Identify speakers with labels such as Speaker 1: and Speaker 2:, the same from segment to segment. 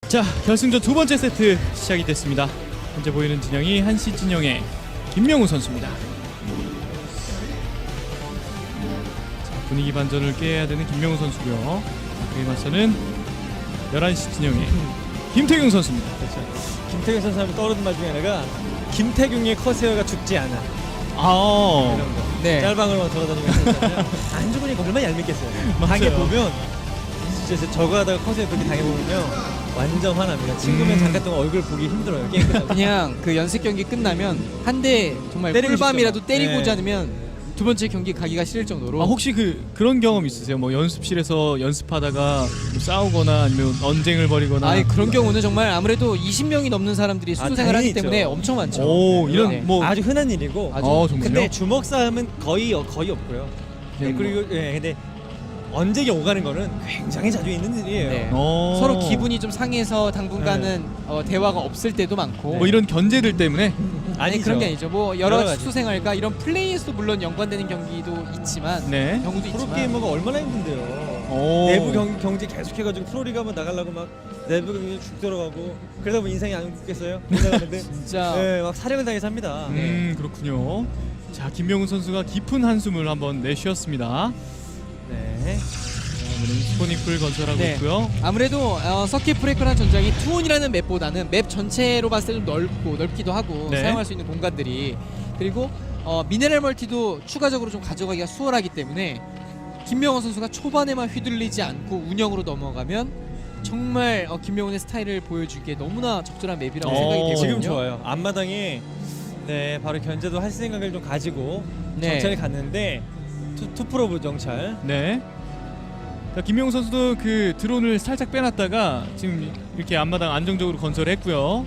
Speaker 1: 자, 결승전 두 번째 세트 시작이 됐습니다. 현재 보이는 진영이 한시 진영의 김명우 선수입니다. 자, 분위기 반전을 깨야 되는 김명우 선수고요. 그에 맞서는 11시 진영의 김태균 선수입니다.
Speaker 2: 그렇죠. 김태균 선수 하면 떠오르는 말 중에 하나가 김태균의 커세어가 죽지 않아.
Speaker 1: 아,
Speaker 2: 이런 거.
Speaker 3: 네.
Speaker 2: 짤방으로만 돌아다니면서 했잖아요. 안 죽으니까 얼마나 얄밉겠어요. 당해 보면 진짜 저거 하다가 커세어 그렇게 당해보면요 완전 화납니다. 친구면 잠깐 동안 얼굴 보기 힘들어요. 게임 끝나고.
Speaker 3: 그냥 그 연습 경기 끝나면 한 대 정말
Speaker 2: 때리고
Speaker 3: 꿀밤이라도
Speaker 2: 싶죠.
Speaker 3: 때리고자
Speaker 2: 네.
Speaker 3: 않으면 두 번째 경기 가기가 싫을 정도로.
Speaker 1: 혹시 그런 경험 있으세요? 뭐 연습실에서 연습하다가 뭐 싸우거나 아니면 언쟁을 벌이거나.
Speaker 3: 아니 그런 경우는 정말 아무래도 20명이 넘는 사람들이 수소 생활을
Speaker 2: 당연히
Speaker 3: 하기 때문에
Speaker 2: 있죠.
Speaker 3: 엄청 많죠.
Speaker 1: 오, 이런
Speaker 3: 네.
Speaker 1: 뭐
Speaker 2: 아주 흔한 일이고.
Speaker 3: 아주
Speaker 1: 정말요?
Speaker 2: 근데 주먹 싸움은 거의 없고요. 네, 그리고 근데 언쟁이 오가는 거는 굉장히 자주 있는 일이에요.
Speaker 3: 네.
Speaker 1: 어.
Speaker 3: 서로 기분이 좀 상해서 당분간은 대화가 없을 때도 많고.
Speaker 1: 뭐 이런 견제들 때문에.
Speaker 3: 아니
Speaker 2: 아니죠.
Speaker 3: 그런 게 아니죠. 뭐 여러
Speaker 2: 여러 가지.
Speaker 3: 수소 생활과 이런 플레이에서도 물론 연관되는 경기도 있지만
Speaker 1: 네.
Speaker 3: 경우도
Speaker 2: 프로
Speaker 3: 있지만.
Speaker 2: 게이머가 얼마나 힘든데요.
Speaker 1: 오.
Speaker 2: 내부 경제 계속해가지고 프로리그 한번 나가려고 막 내부 경기 죽 들어가고 그러다 보면 인생이 안 굳겠어요. 나가는데
Speaker 3: 진짜.
Speaker 2: 네, 막 사령을 당해서 합니다.
Speaker 1: 그렇군요. 자, 김명우 선수가 깊은 한숨을 한번 내쉬었습니다.
Speaker 2: 네.
Speaker 1: 오늘은 스포닉풀 건설하고
Speaker 3: 네.
Speaker 1: 있고요.
Speaker 3: 아무래도 서킷 브레이커라는 전장이 투혼이라는 맵보다는 맵 전체로 봤을 때 좀 넓기도 하고
Speaker 1: 네.
Speaker 3: 사용할 수 있는 공간들이 그리고 미네랄 멀티도 추가적으로 좀 가져가기가 수월하기 때문에 김명호 선수가 초반에만 휘둘리지 않고 운영으로 넘어가면 정말 김명훈의 스타일을 보여주기에 너무나 적절한 맵이라고 생각이 되거든요.
Speaker 2: 지금 좋아요. 앞마당에 네 바로 견제도 할 생각을 좀 가지고
Speaker 3: 네.
Speaker 2: 정찰을 갔는데 투프로브 정찰.
Speaker 1: 네. 자, 김명우 선수도 그 드론을 살짝 빼놨다가 지금 이렇게 앞마당 안정적으로 건설했고요.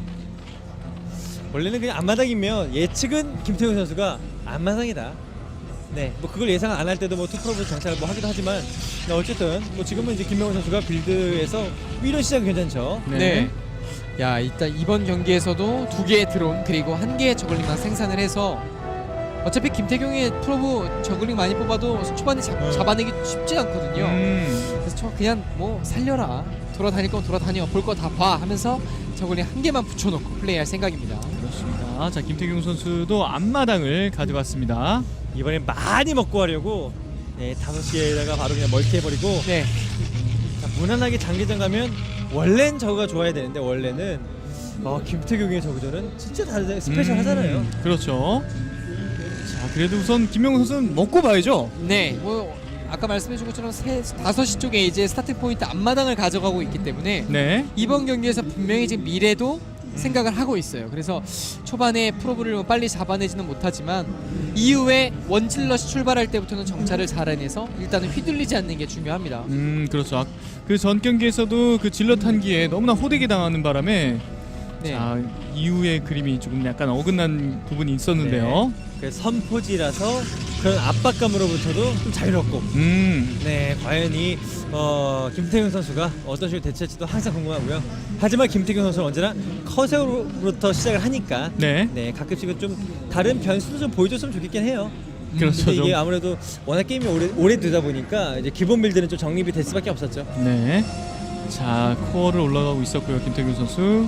Speaker 2: 원래는 그냥 앞마당이면 예측은 김태훈 선수가 앞마당이다. 네, 뭐 그걸 예상 안 할 때도 뭐 투프로브 정찰을 뭐 하기도 하지만 네, 어쨌든 뭐 지금은 이제 김명훈 선수가 빌드에서 위로 시작이 괜찮죠.
Speaker 3: 네. 야 일단 이번 경기에서도 2개의 드론 그리고 1개의 저글링만 생산을 해서 어차피 김태경의 프로브 저글링 많이 뽑아도 초반에 잡아내기 쉽지 않거든요. 그래서 저 그냥 뭐 살려라, 돌아다닐 건 돌아다녀, 볼 거 다 봐 하면서 저글링 1개만 붙여놓고 플레이할 생각입니다.
Speaker 1: 그렇습니다. 자, 김태경 선수도 앞마당을 가져갔습니다.
Speaker 2: 이번엔 많이 먹고 하려고 네, 5시에다가 바로 그냥 멀티해버리고
Speaker 3: 네.
Speaker 2: 자, 무난하게 장기전 가면 원래는 저거가 좋아야 되는데 원래는 김태경의 저그전은 진짜 다르 스페셜 하잖아요.
Speaker 1: 그렇죠. 자, 그래도 우선 김명우 선수는 먹고 봐야죠.
Speaker 3: 네. 뭐 아까 말씀해준 것처럼 5시 쪽에 이제 스타팅 포인트 앞마당을 가져가고 있기 때문에
Speaker 1: 네.
Speaker 3: 이번 경기에서 분명히 지금 미래도 생각을 하고 있어요. 그래서 초반에 프로브를 뭐 빨리 잡아내지는 못하지만 이후에 원질럿이 출발할 때부터는 정찰을 잘 해내서 일단은 휘둘리지 않는 게 중요합니다.
Speaker 1: 그렇죠. 그 전 경기에서도 그 질럿 한기에 너무나 호되게 당하는 바람에
Speaker 3: 네.
Speaker 1: 자, 이후의 그림이 조금 약간 어긋난 부분이 있었는데요.
Speaker 2: 그 선포지라서 그런 압박감으로부터도 좀 자유롭고 네 과연 이 김태균 선수가 어떤 식으로 대처할지도 항상 궁금하고요. 하지만 김태균 선수는 언제나 커세어로부터 시작을 하니까
Speaker 1: 네.
Speaker 2: 네 가끔씩은 좀 다른 변수도 좀 보여줬으면 좋겠긴 해요.
Speaker 1: 그렇죠.
Speaker 2: 근데 이게
Speaker 1: 좀.
Speaker 2: 아무래도 워낙 게임이 오래 되다 보니까 이제 기본 빌드는 좀 정립이 될 수밖에 없었죠.
Speaker 1: 네. 자, 코어를 올라가고 있었고요. 김태균 선수.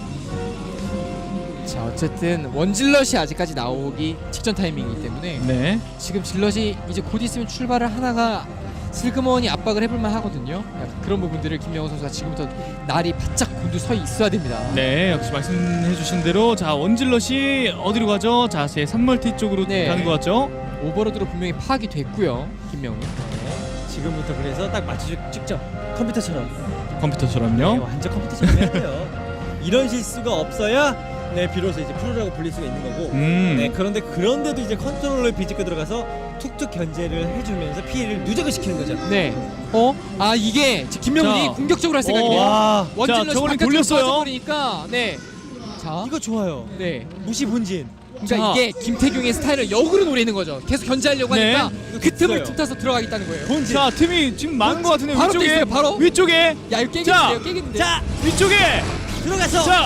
Speaker 3: 자 어쨌든 원질럿이 아직까지 나오기 직전 타이밍이기 때문에
Speaker 1: 네.
Speaker 3: 지금 질럿이 이제 곧 있으면 출발을 하나가 슬그머니 압박을 해볼만 하거든요. 약간 그런 부분들을 김명호 선수가 지금부터 날이 바짝 곤두서 있어야 됩니다.
Speaker 1: 네, 역시 말씀해주신 대로 자, 원질럿이 어디로 가죠? 자, 제 3멀티 쪽으로
Speaker 3: 네.
Speaker 1: 가는 것 같죠?
Speaker 3: 오버로드로 분명히 파악이 됐고요. 김명호.
Speaker 2: 지금부터 그래서 딱 맞춰 찍죠. 컴퓨터처럼. 네,
Speaker 1: 컴퓨터처럼요.
Speaker 2: 완전 컴퓨터처럼 해야 돼요. 이런 실수가 없어야 네 비로소 이제 프로라고 불릴 수가 있는 거고. 네 그런데도 이제 컨트롤러를 비집고 들어가서 툭툭 견제를 해주면서 피해를 누적을 시키는 거죠.
Speaker 3: 네. 이게 김명훈이
Speaker 1: 자.
Speaker 3: 공격적으로 할 생각이네요.
Speaker 2: 와
Speaker 1: 자,
Speaker 3: 원질럿이
Speaker 1: 저거는
Speaker 3: 바깥으로
Speaker 1: 돌렸어요.
Speaker 3: 빠져버리니까 네. 자,
Speaker 2: 이거 좋아요.
Speaker 3: 네.
Speaker 2: 무시 본진.
Speaker 3: 그러니까
Speaker 1: 자.
Speaker 3: 이게 김태경의 스타일을 역으로 노리는 거죠. 계속 견제하려고
Speaker 1: 네.
Speaker 3: 하니까 그 틈을
Speaker 2: 있어요.
Speaker 3: 틈타서 들어가겠다는 거예요.
Speaker 2: 본진.
Speaker 1: 자, 틈이 지금 많은 것 같은데
Speaker 3: 바로
Speaker 1: 위쪽에
Speaker 3: 돼 있어요, 바로.
Speaker 1: 위쪽에
Speaker 3: 야 이거
Speaker 1: 자.
Speaker 3: 깨겠는데요, 깨겠는데.
Speaker 2: 자
Speaker 1: 위쪽에
Speaker 2: 들어가서.
Speaker 1: 자,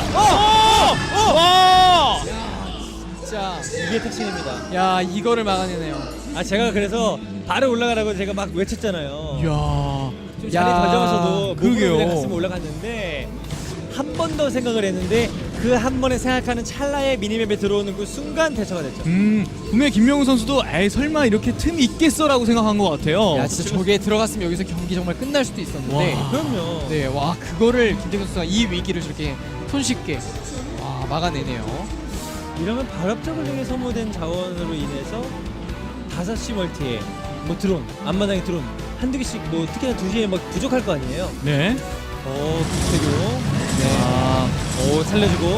Speaker 1: 와!
Speaker 3: 자,
Speaker 2: 이게 특징입니다.
Speaker 3: 야 이거를 막아내네요.
Speaker 2: 제가 그래서 바로 올라가라고 제가 막 외쳤잖아요.
Speaker 1: 이야.
Speaker 2: 좀 자리
Speaker 3: 야,
Speaker 2: 더 잡아서도
Speaker 1: 그러게요.
Speaker 2: 목으로 그냥 갔으면 올라갔는데 한 번 더 생각을 했는데 그 한 번에 생각하는 찰나에 미니맵에 들어오는 그 순간 대처가 됐죠.
Speaker 1: 분명히 김명훈 선수도 에이 설마 이렇게 틈 있겠어라고 생각한 것 같아요.
Speaker 3: 야 진짜 저게 들어갔으면 여기서 경기 정말 끝날 수도 있었는데.
Speaker 1: 와.
Speaker 2: 그럼요.
Speaker 3: 네, 와 그거를 김태균 선수가 이 위기를 저렇게 손쉽게 막아내네요.
Speaker 2: 이러면 발업저글링에 소모된 자원으로 인해서 5시 멀티에 뭐 드론, 앞마당에 드론 한두 개씩 뭐 특히나 2시에 막 부족할 거 아니에요.
Speaker 1: 네.
Speaker 2: 김태균.
Speaker 3: 네.
Speaker 2: 살려주고.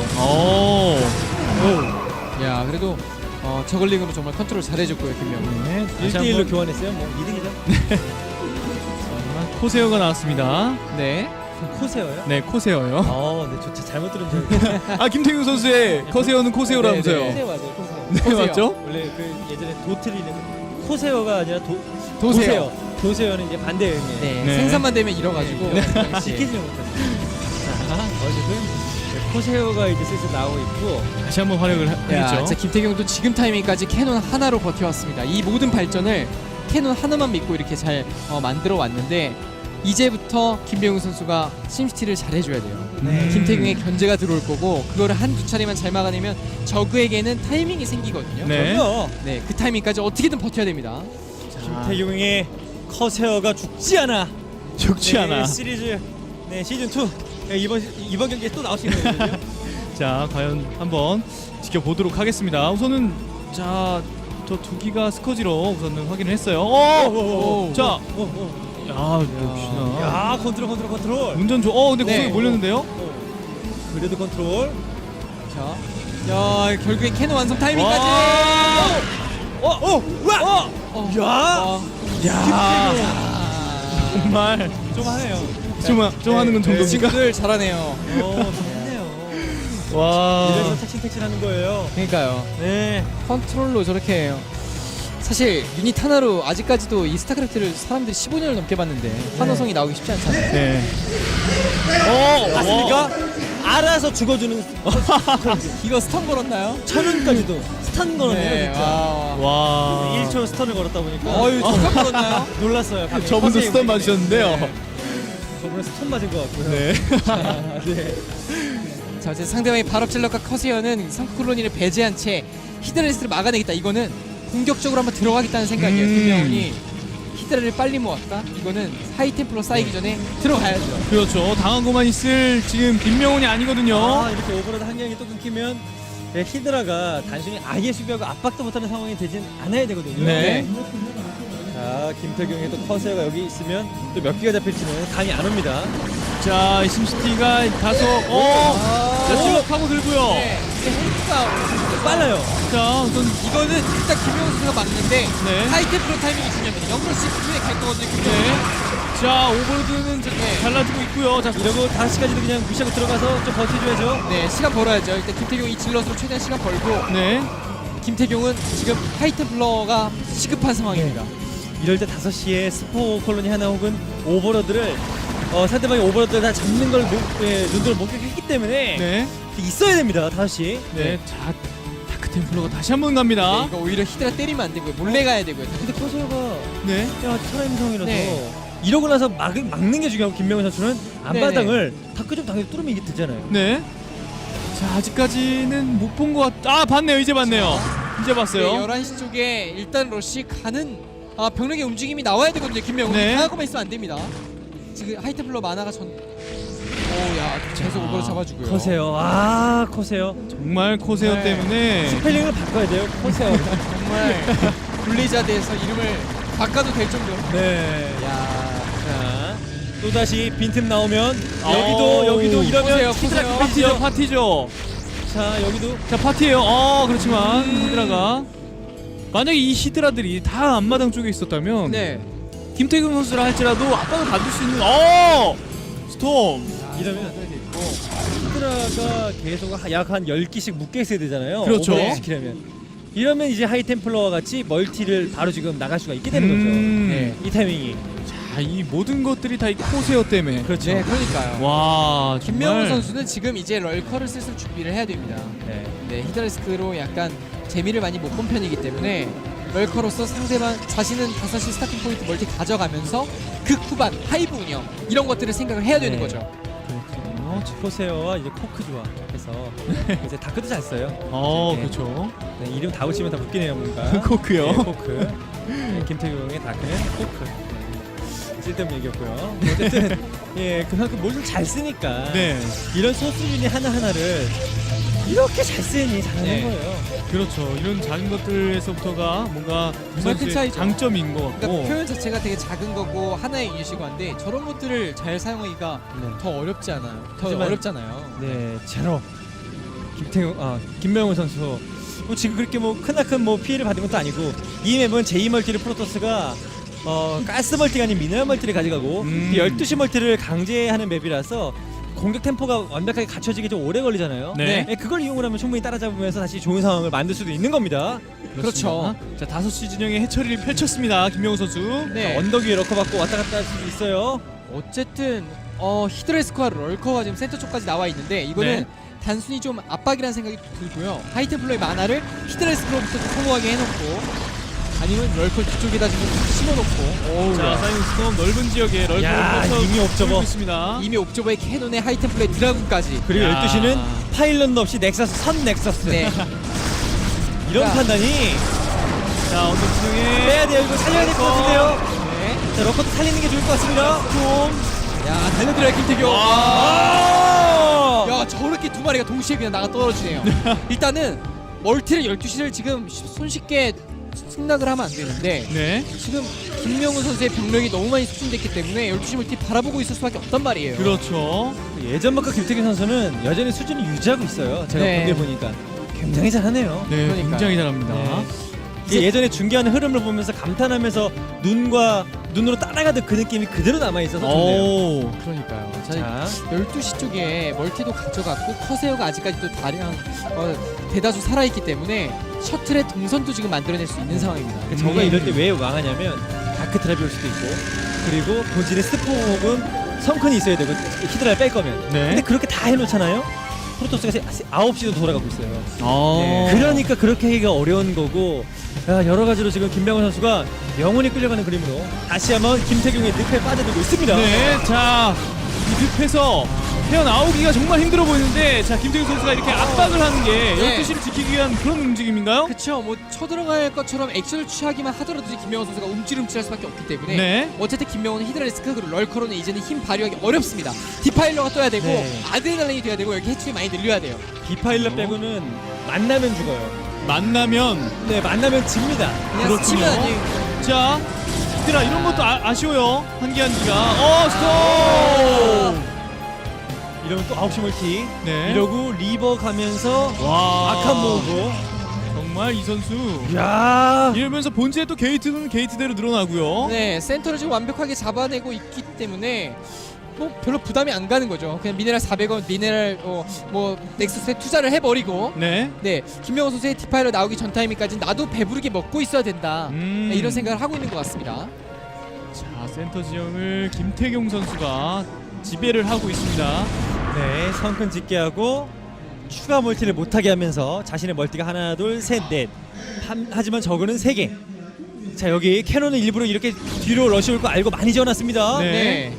Speaker 3: 야 그래도 저글링으로 정말 컨트롤 잘해줬고요 김명훈.
Speaker 1: 네.
Speaker 2: 1대1로 교환했어요. 뭐 이득이죠.
Speaker 1: 코세어가 나왔습니다.
Speaker 3: 네.
Speaker 2: 코세어요?
Speaker 1: 네, 코세어요.
Speaker 2: 네, 저 잘못 들은 줄 알았어요.
Speaker 1: 아 김태균 선수의 코세어는 코세어라면서요.
Speaker 3: 네,
Speaker 2: 코세어 맞아요, 코세어.
Speaker 1: 네,
Speaker 3: 코세어.
Speaker 1: 맞죠?
Speaker 2: 원래 그 예전에 도트리는 코세어가 아니라
Speaker 3: 도세요.
Speaker 2: 도세어는 이제 반대 의미예요.
Speaker 3: 네.
Speaker 1: 네.
Speaker 3: 생산만 되면 잃어가지고.
Speaker 2: 네.
Speaker 3: 그 당시에.
Speaker 2: 지키지 못했어요. 자, 어쨌든 코세어가 이제 슬슬 나오고 있고.
Speaker 1: 다시 한번 활약을
Speaker 3: 야,
Speaker 1: 했죠.
Speaker 3: 진짜 김태경도 지금 타이밍까지 캐논 하나로 버텨왔습니다. 이 모든 발전을 캐논 하나만 믿고 이렇게 잘 만들어 왔는데 이제부터 김병훈 선수가 심시티를 잘해줘야 돼요.
Speaker 1: 네.
Speaker 3: 김태경의 견제가 들어올 거고 그거를 한두 차례만 잘 막아내면 저그에게는 타이밍이 생기거든요.
Speaker 1: 네.
Speaker 2: 그럼요.
Speaker 3: 네, 그 타이밍까지 어떻게든 버텨야 됩니다.
Speaker 2: 김태경의 커세어가 죽지 않아.
Speaker 1: 죽지 않아.
Speaker 2: 시리즈 시즌 2 이번 경기에 또 나올 수 있는 거거든요.
Speaker 1: 자, 과연 한번 지켜보도록 하겠습니다. 우선은 자, 저 두 기가 스커지로 우선은 확인을 했어요. 자, 역시나.
Speaker 2: 야, 컨트롤.
Speaker 1: 운전 근데
Speaker 3: 네.
Speaker 1: 구석에 몰렸는데요?
Speaker 2: 그래도 컨트롤.
Speaker 3: 자, 야 결국엔 캐논 완성 타이밍까지.
Speaker 1: 정말
Speaker 2: 좀 하네요.
Speaker 1: 좀 하는 건 정도입니까?
Speaker 3: 친구들 잘하네요.
Speaker 2: 좋네요.
Speaker 1: 와.
Speaker 2: 이래서 택신 하는 거예요.
Speaker 3: 그러니까요.
Speaker 2: 네.
Speaker 3: 컨트롤로 저렇게 해요. 사실 유닛 하나로 아직까지도 이 스타크래프트를 사람들이 15년을 넘게 봤는데 환호성이 나오기 쉽지 않잖아요.
Speaker 1: 네.
Speaker 2: 맞습니까? 알아서 죽어주는
Speaker 3: 이거 스턴 걸었나요?
Speaker 2: 천원까지도 스턴 걸었네요,
Speaker 3: 네,
Speaker 2: 진짜.
Speaker 1: 와.
Speaker 2: 1초 스턴을 걸었다 보니까
Speaker 3: 어유 잠깐 걸었나요?
Speaker 2: 놀랐어요. 방금.
Speaker 1: 저분도
Speaker 2: 선생님
Speaker 1: 스턴
Speaker 2: 보니까.
Speaker 1: 맞으셨는데요.
Speaker 2: 네. 저분은 스턴 맞은 것 같고요.
Speaker 1: 네.
Speaker 2: 네.
Speaker 3: 자 이제 상대방의 발업질럿과 커세어는 성크콜로니를 배제한 채 히드라리스를 막아내겠다. 이거는 공격적으로 한번 들어가겠다는 생각이에요. 김명훈이 히드라를 빨리 모았다. 이거는 하이템플러 쌓이기 전에 들어가야죠.
Speaker 1: 그렇죠. 당한 것만 있을 지금 김명훈이 아니거든요.
Speaker 2: 이렇게 오버로드 한 경기 또 끊기면 히드라가 단순히 아예 수비하고 압박도 못하는 상황이 되진 않아야 되거든요.
Speaker 1: 네.
Speaker 2: 자, 김태경의 또 커세어가 여기 있으면 또 몇 개가 잡힐지는 감이 안 옵니다.
Speaker 1: 자, 심시티가 다소 자, 지금 파고 들고요.
Speaker 3: 네, 이제 헬프가
Speaker 2: 빨라요.
Speaker 1: 자, 우선
Speaker 3: 이거는 일단 김명훈 선수가 막는데
Speaker 1: 네.
Speaker 3: 하이템플러 타이밍이 중요합니다. 0시 후에 갈 거거든요.
Speaker 1: 네.
Speaker 3: 김명훈.
Speaker 1: 자, 오버로드는 잘라주고 있고요. 자,
Speaker 2: 이러고 5시까지도 그냥 무시하고 들어가서 좀 버텨줘야죠.
Speaker 3: 네, 시간 벌어야죠. 일단 김태경 이 질럿으로 최대한 시간 벌고
Speaker 1: 네.
Speaker 3: 김태경은 지금 하이템플러가 시급한 상황입니다.
Speaker 2: 이럴 때 5시에 스포 콜로니 하나 혹은 오버로드를 상대방이 오버로드를 다 잡는 걸 눈으로 목격했기 때문에
Speaker 1: 네.
Speaker 2: 있어야 됩니다. 5시.
Speaker 1: 네. 자, 다크 템플러가 다시 한번 갑니다.
Speaker 3: 네, 이거 오히려 히드라 때리면 안 되고요. 몰래 가야 되고요.
Speaker 2: 근데 커세어가
Speaker 1: 네.
Speaker 2: 살아있는 상황이라서
Speaker 3: 네.
Speaker 2: 이러고 나서 막는 게 중요하고 김명훈 선수는 앞바닥을 다크 좀 당연히 뚫으면 이게 되잖아요.
Speaker 1: 네. 자, 아직까지는 못 본 것 같. 봤네요. 이제 봤네요. 이제 봤어요.
Speaker 3: 네, 11시 쪽에 일단 러시 가는 병력의 움직임이 나와야 되거든요. 김명훈.
Speaker 1: 네.
Speaker 3: 당하고만 있으면 안 됩니다. 지금 하이템플러 만화가 계속 오버로 잡아주고요.
Speaker 2: 커세요. 커세요.
Speaker 1: 정말 코세어
Speaker 3: 네.
Speaker 1: 때문에
Speaker 2: 스펠링을 바꿔야 돼요. 커세요.
Speaker 3: 정말 블리자드에서 이름을 바꿔도 될 정도로.
Speaker 2: 네.
Speaker 3: 야,
Speaker 2: 자, 또 다시 빈틈 나오면
Speaker 1: 어우,
Speaker 2: 여기도 이러면
Speaker 3: 보세요.
Speaker 2: 히드라
Speaker 1: 파티죠.
Speaker 2: 자, 여기도
Speaker 1: 자, 파티예요. 그렇지만 히드라가 만약에 이 히드라들이 다 앞마당 쪽에 있었다면
Speaker 3: 네.
Speaker 1: 김태균 선수라 할지라도 압박을 받을 수 있는 스톰.
Speaker 2: 이러면 히드라가 계속 약 한 10기씩 묶여 있어야 되잖아요.
Speaker 1: 그렇죠.
Speaker 2: 오버로드 시키려면. 이러면 이제 하이템플러와 같이 멀티를 바로 지금 나갈 수가 있게 되는 거죠.
Speaker 3: 네.
Speaker 2: 이 타이밍이.
Speaker 1: 자, 이 모든 것들이 다 이 코세어 때문에.
Speaker 2: 그렇죠.
Speaker 3: 네, 그러니까요.
Speaker 1: 와,
Speaker 3: 김명훈
Speaker 1: 정말.
Speaker 3: 선수는 지금 이제 럴커를 슬슬 준비를 해야 됩니다.
Speaker 2: 네.
Speaker 3: 네, 히드라리스크로 약간 재미를 많이 못 본 편이기 때문에 럴커로서 상대방 자신은 5시 스타팅 포인트 멀티 가져가면서 극 후반 하이브 운영 이런 것들을 생각을 해야 되는
Speaker 2: 네.
Speaker 3: 거죠.
Speaker 2: 그렇죠. 코세어와 이제 코크 조합해서 이제 다크도 잘 써요. 네.
Speaker 1: 그렇죠.
Speaker 2: 네, 이름 다 붙이면 다 붙기네요, 뭔가.
Speaker 1: 코크요.
Speaker 2: 네, 코크. 네, 김태경의 다크는 코크. 네, 쓸데없는 얘기였고요. 어쨌든 예, 그만큼 뭘 좀 잘 쓰니까
Speaker 1: 네,
Speaker 2: 이런 소수 유닛 하나하나를 이렇게 잘 쓰니 잘하는
Speaker 3: 네.
Speaker 2: 거예요.
Speaker 1: 그렇죠. 이런 작은 것들에서부터가 뭔가 그
Speaker 3: 정말 큰
Speaker 1: 선수의
Speaker 3: 차이죠.
Speaker 1: 장점인 것 같고.
Speaker 3: 그러니까 표현 자체가 되게 작은 거고 하나의 유닛이고 한데 저런 것들을 잘 사용하기가
Speaker 2: 네.
Speaker 3: 더 어렵지 않아요. 더
Speaker 2: 하지만-
Speaker 3: 어렵잖아요.
Speaker 2: 네, 제로 김명훈 선수 지금 그렇게 뭐 크나큰 뭐 피해를 받은 것도 아니고 이 맵은 제2 멀티를 프로토스가 가스 멀티가 아닌 미네랄 멀티를 가져가고 12시 멀티를 강제하는 맵이라서 공격 템포가 완벽하게 갖춰지기 좀 오래 걸리잖아요.
Speaker 1: 네.
Speaker 2: 그걸 이용을 하면 충분히 따라잡으면서 다시 좋은 상황을 만들 수도 있는 겁니다.
Speaker 3: 그렇죠.
Speaker 1: 자, 5시 진영의 해처리를 펼쳤습니다. 김명우 선수.
Speaker 3: 네.
Speaker 2: 언덕 위에 럭커 받고 왔다 갔다 할 수도 있어요.
Speaker 3: 어쨌든 히드레스코와 럴커가 지금 센터 쪽까지 나와 있는데 이거는
Speaker 1: 네.
Speaker 3: 단순히 좀 압박이라는 생각이 들고요. 하이템플러의 만화를 히드레스코로부터 소모하게 해놓고 아니면 럴커 뒤쪽에다 좀 심어놓고
Speaker 1: 자, 사이먼 스톰 넓은 지역에 럴커를
Speaker 2: 야,
Speaker 1: 펼쳐
Speaker 2: 이미 옵저버.
Speaker 1: 보이고 있습니다.
Speaker 3: 이미 옵저버의 캐논에 하이템플러의 드라군까지
Speaker 2: 그리고
Speaker 1: 야.
Speaker 2: 12시는 파일런도 없이 넥서스 선 넥서스.
Speaker 3: 네.
Speaker 2: 이런
Speaker 3: 야.
Speaker 2: 판단이
Speaker 1: 자, 언덕 진영에
Speaker 2: 빼야 돼요. 이거 살려야 될 것 같은데요.
Speaker 3: 네.
Speaker 2: 자, 럭커도 살리는 게 좋을 것 같습니다.
Speaker 3: 야 달려들어요 김태경.
Speaker 2: 아!
Speaker 3: 야 저렇게 두 마리가 동시에 그냥 나가 떨어지네요. 일단은 멀티를 12시를 지금 손쉽게 승낙을 하면 안 되는데
Speaker 1: 네.
Speaker 3: 지금 김명훈 선수의 병력이 너무 많이 소진됐기 때문에 12시 멀티 바라보고 있을 수밖에 없단 말이에요.
Speaker 1: 그렇죠.
Speaker 2: 예전만큼 김태균 선수는 여전히 수준을 유지하고 있어요. 제가
Speaker 3: 네.
Speaker 2: 본게 보니까 굉장히 잘하네요.
Speaker 1: 네,
Speaker 3: 그러니까요.
Speaker 1: 굉장히 잘합니다.
Speaker 2: 네. 이게 예전에 중계하는 흐름을 보면서 감탄하면서 눈으로 따라가던 그 느낌이 그대로 남아 있어서 좋네요.
Speaker 1: 오.
Speaker 3: 그러니까요. 자,
Speaker 2: 자,
Speaker 3: 12시 쪽에 멀티도 가져갔고 커세어가 아직까지도 다량 대다수 살아있기 때문에 셔틀의 동선도 지금 만들어낼 수 있는 상황입니다.
Speaker 2: 저가 이럴 때 왜 망하냐면 다크 트랩이 올 수도 있고 그리고 본질에 스포 혹은 성큰이 있어야 되고 히드라를 뺄 거면
Speaker 1: 네.
Speaker 2: 근데 그렇게 다 해놓잖아요. 프로토스가 9시도 돌아가고 있어요.
Speaker 1: 아.
Speaker 2: 네. 그러니까 그렇게 하기가 어려운 거고 여러 가지로 지금 김명훈 선수가 영혼이 끌려가는 그림으로 다시 한번 김태경의 늪에 빠져들고 있습니다.
Speaker 1: 네, 자, 이 늪에서 헤어나오기가 정말 힘들어 보이는데, 자, 김태균 선수가 이렇게 압박을 하는 게
Speaker 3: 네.
Speaker 1: 12시를 지키기 위한 그런 움직임인가요?
Speaker 3: 그쵸, 뭐 쳐들어갈 것처럼 액션을 취하기만 하더라도 김명훈 선수가 움찔움찔할 수밖에 없기 때문에
Speaker 1: 네.
Speaker 3: 어쨌든 김명훈은 히드라리스크 그리고 럴커로는 이제는 힘 발휘하기 어렵습니다. 디파일러가 떠야 되고
Speaker 2: 네.
Speaker 3: 아드레날린이 돼야 되고 여기 해충이 많이 늘려야 돼요.
Speaker 2: 디파일러 빼고는 만나면 죽어요.
Speaker 1: 만나면,
Speaker 2: 네, 만나면 집니다.
Speaker 3: 그냥
Speaker 1: 그렇군요.
Speaker 3: 스치면 아니에요.
Speaker 1: 자, 얘들아, 이런 것도 아쉬워요. 한기한기가. 스톱!
Speaker 2: 이러면 또 9시 멀티.
Speaker 1: 네.
Speaker 2: 이러고 리버 가면서
Speaker 1: 와.
Speaker 2: 악한 모으고.
Speaker 1: 정말 이 선수.
Speaker 2: 야.
Speaker 1: 이러면서 본체에 또 게이트는 게이트대로 늘어나고요.
Speaker 3: 네, 센터를 지금 완벽하게 잡아내고 있기 때문에 뭐 별로 부담이 안 가는 거죠. 그냥 미네랄 400원, 미네랄 뭐 넥서스에 투자를 해버리고
Speaker 1: 네.
Speaker 3: 네, 김명훈 선수의 디파일러 나오기 전 타이밍까지 나도 배부르게 먹고 있어야 된다. 네, 이런 생각을 하고 있는 것 같습니다.
Speaker 1: 자, 센터 지형을 김태경 선수가 지배를 하고 있습니다.
Speaker 2: 네, 성큰 짓게 하고 추가 멀티를 못하게 하면서 자신의 멀티가 하나, 둘, 셋, 넷. 하지만 저거는 3개. 자, 여기 캐논은 일부러 이렇게 뒤로 러시 올 거 알고 많이 지어놨습니다.
Speaker 1: 네.
Speaker 3: 네.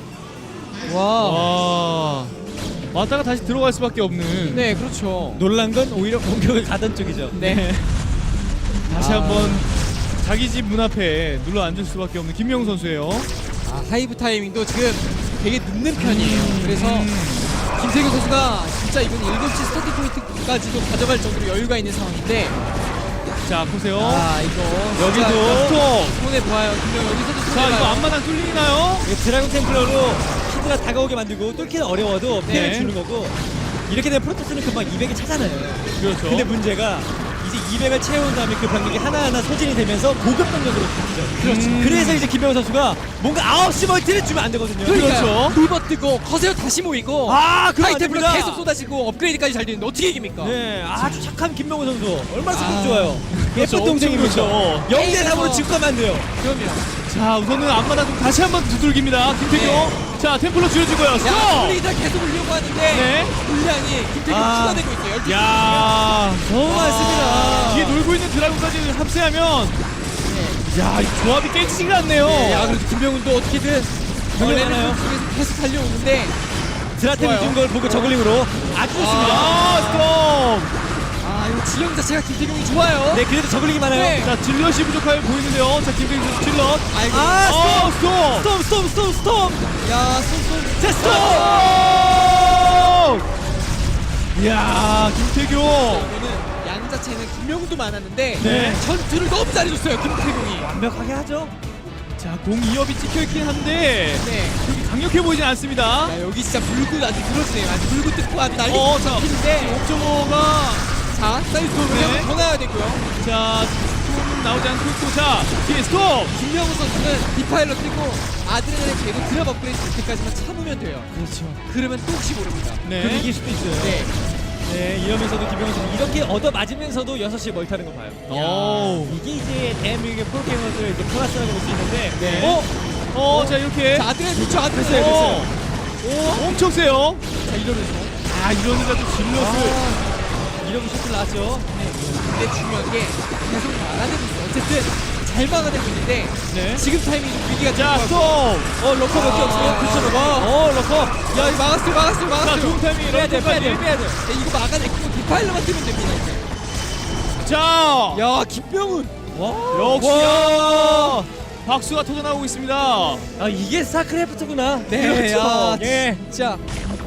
Speaker 3: 와.
Speaker 1: 와. 왔다가 다시 들어갈 수밖에 없는.
Speaker 3: 네, 그렇죠.
Speaker 2: 놀란 건 오히려 공격을 가던 쪽이죠.
Speaker 3: 네.
Speaker 1: 다시
Speaker 3: 아.
Speaker 1: 한번 자기 집 문 앞에 눌러 앉을 수밖에 없는 김명 선수예요.
Speaker 3: 아, 하이브 타이밍도 지금 되게 늦는 편이에요. 그래서 김태균 선수가 진짜 이번 7시 스타팅 포인트까지도 가져갈 정도로 여유가 있는 상황인데
Speaker 1: 자, 보세요.
Speaker 3: 아, 이거
Speaker 1: 여기도 스톱.
Speaker 3: 손해 보아요. 김명 여기서도 손해
Speaker 1: 자, 이거
Speaker 3: 봐요.
Speaker 1: 앞마당 뚫리나요?
Speaker 2: 드라곤 템플러로 히드라 다가오게 만들고 뚫기는 어려워도 피해를
Speaker 1: 네.
Speaker 2: 주는 거고 이렇게 되면 프로토스는 금방 200을 찾아놔요.
Speaker 1: 그렇죠.
Speaker 2: 근데 문제가 이제 200을 채운 다음에 그 병력이 하나하나 소진이 되면서 고급 병력으로 바뀌죠.
Speaker 1: 그렇죠.
Speaker 2: 그래서 이제 김명훈 선수가 뭔가 9시 멀티를 주면 안 되거든요.
Speaker 3: 그러니까요.
Speaker 1: 그렇죠.
Speaker 3: 리버 뜨고 커세어 다시 모이고
Speaker 2: 아, 그럼 안
Speaker 3: 하이템플러
Speaker 2: 됩니다.
Speaker 3: 계속 쏟아지고 업그레이드까지 잘 되는데 어떻게 이깁니까?
Speaker 2: 네, 아주 착한 김명훈 선수. 얼마나 성격
Speaker 3: 아,
Speaker 2: 좋아요.
Speaker 1: 그렇죠.
Speaker 2: 예쁜 동생이면서
Speaker 1: 엄청 그렇죠.
Speaker 2: 0대3으로 직감안 돼요.
Speaker 3: 그럼요.
Speaker 1: 자, 우선은 앞마당 좀 다시 한번 두들깁니다. 김태경.
Speaker 3: 네.
Speaker 1: 자, 템플러 줄여주고요. 스톱!
Speaker 3: 야, 업그레이드 계속 올려고 하는데
Speaker 1: 네.
Speaker 3: 분량이 김태균
Speaker 2: 아.
Speaker 3: 추가되고 있어요. 12시.
Speaker 1: 야,
Speaker 2: 너무 많습니다.
Speaker 1: 뒤에 놀고 있는 드라군까지 합세하면 야, 이 조합이 깨지지가 않네요.
Speaker 3: 네, 야, 그래도 김병훈도 어떻게든
Speaker 2: 병력
Speaker 3: 원래는
Speaker 2: 많아요.
Speaker 3: 쪽에서 계속 달려오는데
Speaker 2: 드라템
Speaker 3: 좋아요.
Speaker 2: 준 걸 보고 저글링으로 아주 좋습니다.
Speaker 1: 아,
Speaker 3: 아 이거 지형 자체가 김태경이 좋아요.
Speaker 2: 네, 그래도 저글링이 많아요.
Speaker 3: 네.
Speaker 1: 스톰! 자, 질럿이 부족하게 보이는데요. 자, 김태경 선수 질럿.
Speaker 3: 아이고.
Speaker 2: 아,
Speaker 1: 스톰!
Speaker 2: 스톰.
Speaker 3: 야 쏜.
Speaker 2: 자, 스톰.
Speaker 1: 이야, 김태경.
Speaker 3: 이거는 양 자체는 김명훈도 많았는데
Speaker 1: 네.
Speaker 3: 전투를 너무 잘해줬어요 김태경이.
Speaker 2: 완벽하게 하죠.
Speaker 1: 자, 공 2업이 찍혀있긴 한데
Speaker 3: 네.
Speaker 1: 그렇게 강력해 보이진 않습니다.
Speaker 3: 야 여기 진짜 불구 아주 들어지네요. 아주 불구 뜯고 아주 난리
Speaker 1: 자,
Speaker 3: 피는데.
Speaker 1: 5.5가
Speaker 3: 자 사이드로
Speaker 1: 네.
Speaker 3: 더 나야 되고요.
Speaker 1: 자, 스톰 나오지 않고 있고, 자, 뒤에 스톰!
Speaker 3: 김명훈 선수는 디파일러 뛰고 아드레날린 계속 드랍 업그레이드 될 때까지만 참으면 돼요.
Speaker 2: 그렇죠.
Speaker 3: 그러면 또 혹시 모릅니다.
Speaker 1: 네.
Speaker 2: 그럼 이길 수도 있어요.
Speaker 3: 네.
Speaker 2: 네, 이러면서도 김병현 선수 이렇게 얻어 맞으면서도 6시에 멀타는 거 봐요.
Speaker 1: 오.
Speaker 2: 이게 이제 대한민국의 프로게이머들의 이제 플러스라고 볼 수 있는데.
Speaker 3: 네.
Speaker 1: 자, 이렇게.
Speaker 3: 자 아드레날린 좋죠.
Speaker 1: 됐어요,
Speaker 3: 아드레날린.
Speaker 1: 됐어요. 오, 엄청 세요.
Speaker 3: 자 이러면서.
Speaker 1: 아, 이러니까 또 질럿을.
Speaker 2: 이러고 셔틀 나왔죠.
Speaker 3: 근데 중요한 게 계속 막아내고 있어요. 어쨌든 잘 막아내고 있는데
Speaker 1: 네.
Speaker 3: 지금 타이밍 위기가
Speaker 1: 자,
Speaker 3: 될
Speaker 1: 스톰!
Speaker 3: 것 같고.
Speaker 2: 러커 몇 개 없어요. 그렇죠, 러커. 러커.
Speaker 3: 야 이거 막았어요.
Speaker 1: 자, 좋은 타이밍
Speaker 2: 빼야 돼.
Speaker 3: 야, 이거 막아내고 디파일러만 뛰면 됩니다. 이제.
Speaker 1: 자,
Speaker 3: 야 김명훈.
Speaker 1: 역시
Speaker 2: 와.
Speaker 1: 박수가 터져나오고 있습니다.
Speaker 2: 아, 이게 스타크래프트구나.
Speaker 3: 네.
Speaker 2: 그렇죠.
Speaker 3: 야,
Speaker 2: 예.
Speaker 3: 진짜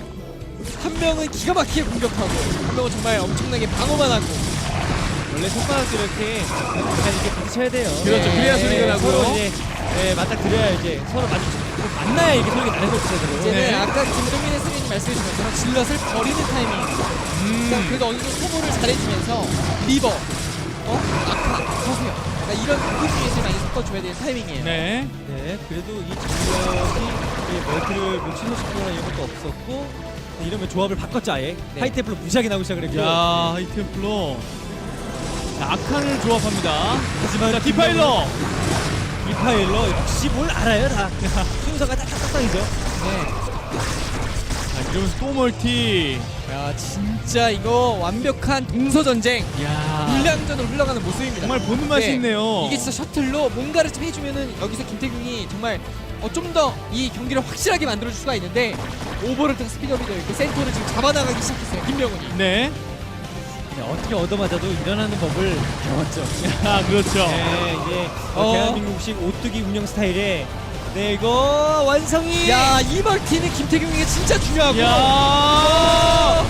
Speaker 3: 한 명은 기가 막히게 공격하고 한 명은 정말 엄청나게 방어만 하고.
Speaker 2: 원래 손가락도 이렇게 약간 이렇게 부딪혀야 돼요.
Speaker 1: 그렇죠.
Speaker 3: 네.
Speaker 1: 그래야 소리가 나고요.
Speaker 2: 서로 이제 맞닥뜨려야 이제 서로 만나야 이렇게 소리가 나는 거죠, 제대로.
Speaker 3: 이제는
Speaker 1: 네.
Speaker 3: 아까 김동민 해설위원님 말씀해주신 것처럼 질럿을 버리는 타이밍. 그러니까 그래도 어느 정도 소모를 잘해주면서 리버, 아카, 서세요. 그러니까 이런 부분에서 많이 섞어줘야 되는 타이밍이에요.
Speaker 1: 네.
Speaker 2: 네, 그래도 이 전력이 멀티를 뭐 취소시키거나 이런 것도 없었고 네, 이러면 조합을 바꿨죠 아예.
Speaker 3: 네.
Speaker 2: 하이테플로 무시하게 나오기 시작을 했고.
Speaker 1: 야, 하이템플러. 자, 아칸을 조합합니다.
Speaker 2: 하지만
Speaker 1: 자, 디파일러.
Speaker 2: 디파일러 역시 뭘 알아요 다. 순서가 딱딱딱이죠.
Speaker 3: 네.
Speaker 1: 자, 이러면서 또 멀티.
Speaker 3: 야 진짜 이거 완벽한 동서전쟁
Speaker 1: 야,
Speaker 3: 물량전으로 흘러가는 모습입니다.
Speaker 1: 정말 보는 맛이
Speaker 3: 네.
Speaker 1: 있네요.
Speaker 3: 이게 진짜 셔틀로 뭔가를 좀 해주면은 여기서 김태균이 정말 좀 더 이 경기를 확실하게 만들어줄 수가 있는데 오버로드가 스피드업이 되어 있고 센터를 지금 잡아나가기 시작했어요 김명훈이.
Speaker 1: 네.
Speaker 2: 네, 어떻게 얻어맞아도 일어나는 법을 배웠죠.
Speaker 1: 아, 그렇죠.
Speaker 2: 네, 이게
Speaker 3: 어.
Speaker 2: 대한민국식 오뚜기 운영 스타일에 네 이거 완성이.
Speaker 3: 야이 멀티는 김태균에게 진짜 중요하고.
Speaker 1: 야,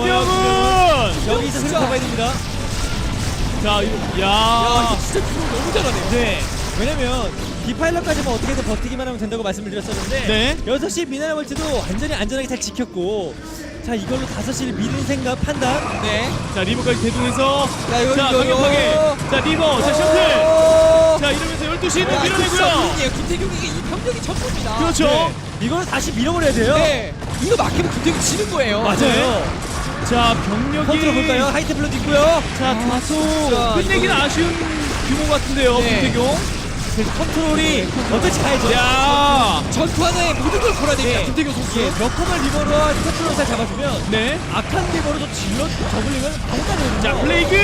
Speaker 1: 김명훈.
Speaker 2: 여기서
Speaker 3: 진짜.
Speaker 2: 생각해봐야 됩니다.
Speaker 1: 자,
Speaker 3: 야
Speaker 1: 야.
Speaker 3: 이거 진짜 김명훈 너무 잘하네요.
Speaker 2: 네. 왜냐면 디파일러까지만 어떻게든 버티기만 하면 된다고 말씀을 드렸었는데
Speaker 1: 네.
Speaker 2: 6시 미나리 멀티도 완전히 안전하게 잘 지켰고 자 이걸로 5시를 미는 생각 판단.
Speaker 3: 네.
Speaker 1: 자, 리버까지 대동해서.
Speaker 3: 야 이거
Speaker 1: 자,
Speaker 3: 이거
Speaker 1: 강력하게. 자, 리버. 자, 셔틀.
Speaker 3: 셔틀.
Speaker 1: 자, 이러면서 12시는 밀어내고요.
Speaker 3: 김태균에게 이 병력이 전부입니다.
Speaker 1: 그렇죠.
Speaker 2: 네. 이거는 다시 밀어버려야 돼요.
Speaker 3: 네. 이거 막히면 김태균 지는 거예요.
Speaker 2: 맞아요.
Speaker 1: 자, 병력이.
Speaker 2: 컨트롤 볼까요? 하이테플러도 있고요.
Speaker 1: 자, 다소 끝내기는 아쉬운 규모 같은데요,
Speaker 3: 네.
Speaker 1: 김태경.
Speaker 2: 그래서 컨트롤이 어떨지 가야죠.
Speaker 1: 야,
Speaker 3: 전투 하나에 모든 걸 걸어야 됩니다.
Speaker 2: 네.
Speaker 3: 김태균 선수.
Speaker 2: 예, 몇 콤을 리버로 컨트롤 잘 잡아주면
Speaker 1: 네.
Speaker 2: 악한 리버로도 질러 저글링을 아무 가능해요.
Speaker 1: 자, 플레이그.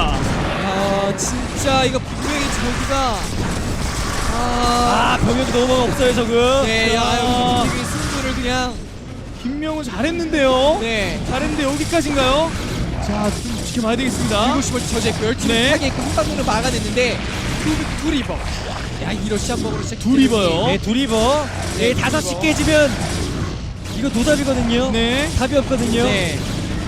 Speaker 3: 야 진짜 이거 분명히 저기가
Speaker 2: 병력이 너무 없어요 저금.
Speaker 3: 네, 야
Speaker 1: 아.
Speaker 3: 여기 김태균이 승부를 그냥
Speaker 1: 김명훈 잘했는데요.
Speaker 3: 네.
Speaker 1: 잘했는데 여기까지인가요? 자, 좀 지켜봐야 되겠습니다.
Speaker 3: 일곱 시벌 저제 멸치를
Speaker 1: 네.
Speaker 3: 하게끔 한 방으로 막아냈는데 두 리버. 야 이러시 한 방으로 진짜
Speaker 1: 두 리버요.
Speaker 2: 네, 두 리버. 네,
Speaker 3: 두
Speaker 2: 5시
Speaker 3: 리버.
Speaker 2: 깨지면 이거 노답이거든요.
Speaker 1: 네.
Speaker 2: 답이 없거든요.
Speaker 3: 네.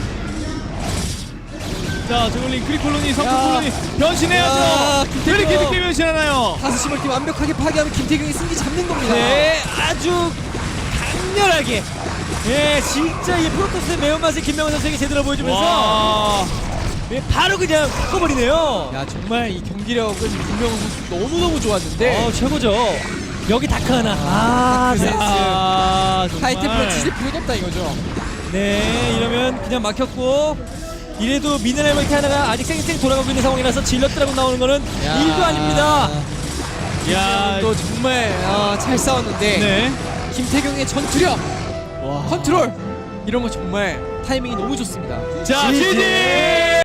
Speaker 1: 자, 저글링 크리콜로니, 성큼
Speaker 3: 야.
Speaker 1: 콜로니
Speaker 3: 야,
Speaker 1: 변신해야죠.
Speaker 3: 김태경.
Speaker 1: 왜 이렇게 늦게 변신하나요?
Speaker 3: 5시 멀티 완벽하게 파괴하면 김태균이 승기 잡는 겁니다.
Speaker 2: 네, 아주 강렬하게. 예, 진짜 이 프로토스의 매운맛을 김명훈 선수에게 제대로 보여주면서
Speaker 1: 와.
Speaker 2: 네, 바로 그냥 바꿔버리네요.
Speaker 3: 야 정말 이 경기력은 김명훈 선수 너무너무 좋았는데
Speaker 2: 최고죠. 여기 다크 하나.
Speaker 3: 다크
Speaker 2: 네.
Speaker 3: 센스.
Speaker 1: 정말.
Speaker 3: 하이템플러 뒤질 필요도 없다 이거죠.
Speaker 2: 네, 이러면 그냥 막혔고 이래도 미네랄 멀티 하나가 아직 쌩쌩 돌아가고 있는 상황이라서 질럿드라고 나오는 거는 일도 아닙니다.
Speaker 1: 야,
Speaker 3: 또 정말 잘 싸웠는데
Speaker 1: 네.
Speaker 3: 김태경의 전투력,
Speaker 1: 와.
Speaker 3: 컨트롤 이런 거 정말 타이밍이 너무 좋습니다.
Speaker 1: 자,
Speaker 2: 지지!
Speaker 1: 지지!